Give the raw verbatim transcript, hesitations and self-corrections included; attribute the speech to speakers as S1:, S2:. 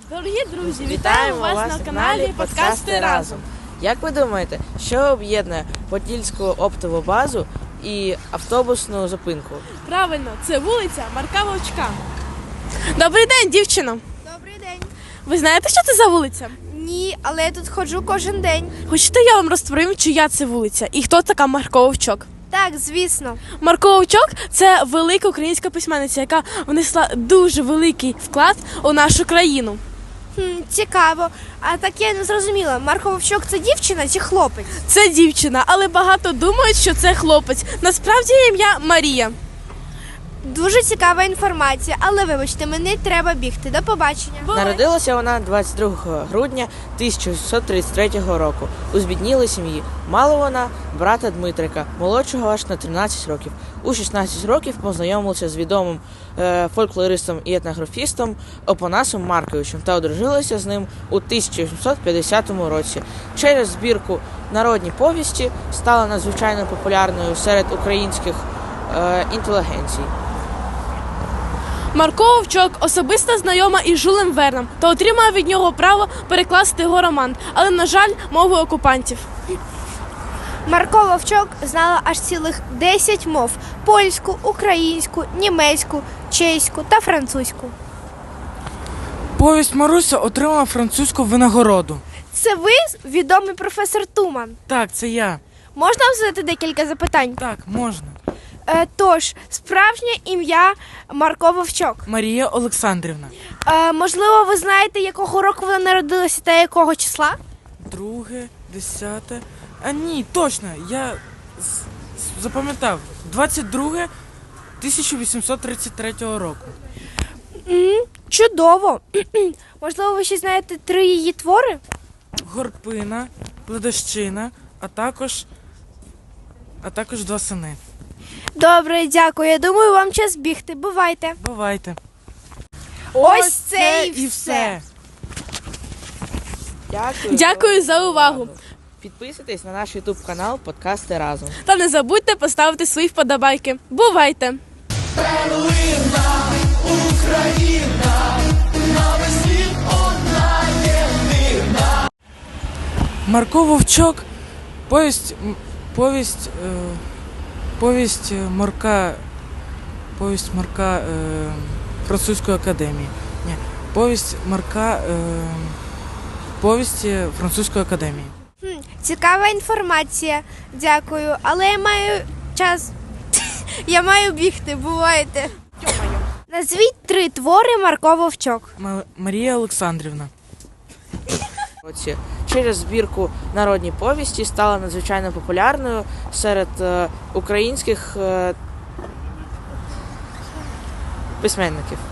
S1: Дорогі друзі, вітаємо вас на каналі Подкасти разом.
S2: Як ви думаєте, що об'єднує Подільську оптову базу і автобусну зупинку?
S1: Правильно, це вулиця Марка Вовчка. Добрий день, дівчино.
S3: Добрий день.
S1: Ви знаєте, що це за вулиця?
S3: Ні, але я тут ходжу кожен день.
S1: Хочете, я вам розповім, чия це вулиця і хто така Марко Вовчок?
S3: Так, звісно.
S1: Марко Вовчок – це велика українська письменниця, яка внесла дуже великий вклад у нашу країну.
S3: Хм, цікаво. А так я не зрозуміла, Марко Вовчок – це дівчина чи хлопець?
S1: Це дівчина, але багато думають, що це хлопець. Насправді її ім'я Марія.
S3: Дуже цікава інформація, але вибачте, мені треба бігти. До побачення.
S2: Народилася вона двадцять другого грудня тисяча вісімсот тридцять третього року у збіднілій сім'ї. Мала вона брата Дмитрика, молодшого аж на тринадцять років. У шістнадцять років познайомилася з відомим е, фольклористом і етнографістом Опанасом Марковичем та одружилася з ним у тисяча вісімсот п'ятдесятому році. Через збірку «Народні повісті» стала надзвичайно популярною серед українських е, інтелігенцій.
S1: Марко Вовчок особисто знайома із Жюлем Верном та отримала від нього право перекласти його роман, але, на жаль, мовою окупантів.
S3: Марко Вовчок знала аж цілих десять мов – польську, українську, німецьку, чеську та французьку.
S4: Повість Маруся отримала французьку винагороду.
S3: Це ви, відомий професор Туман?
S4: Так, це я.
S3: Можна вам задати декілька запитань?
S4: Так, можна.
S3: Е, тож, справжнє ім'я Марко Вовчок.
S4: Марія Олександрівна.
S3: Е, можливо, ви знаєте, якого року вона народилася та якого числа?
S4: Друге, десяте. А ні, точно, я з- з- запам'ятав. двадцять друге тисяча вісімсот тридцять третього року.
S3: М, чудово. Можливо, ви ще знаєте три її твори?
S4: Горпина, Пледощина, а також, а також два сини.
S3: Добре, дякую. Я думаю, вам час бігти. Бувайте.
S4: Бувайте.
S3: Ось це і все.
S2: Дякую.
S1: Дякую за увагу.
S2: Підписуйтесь на наш ютуб канал Подкасти разом.
S1: Та не забудьте поставити свої вподобайки. Бувайте!
S4: Марко Вовчок, повість, м, повість, е, повість е, Марка, повість Марка е, французької академії. Ні, повість Марка, е, повісті французької академії.
S3: Хм, цікава інформація. Дякую. Але я маю час. Я маю бігти. Бувайте. Назвіть три твори Марко Вовчок.
S4: Ма- Марія Олександрівна.
S2: Році. Через збірку «Народні повісті» стала надзвичайно популярною серед е, українських е, письменників.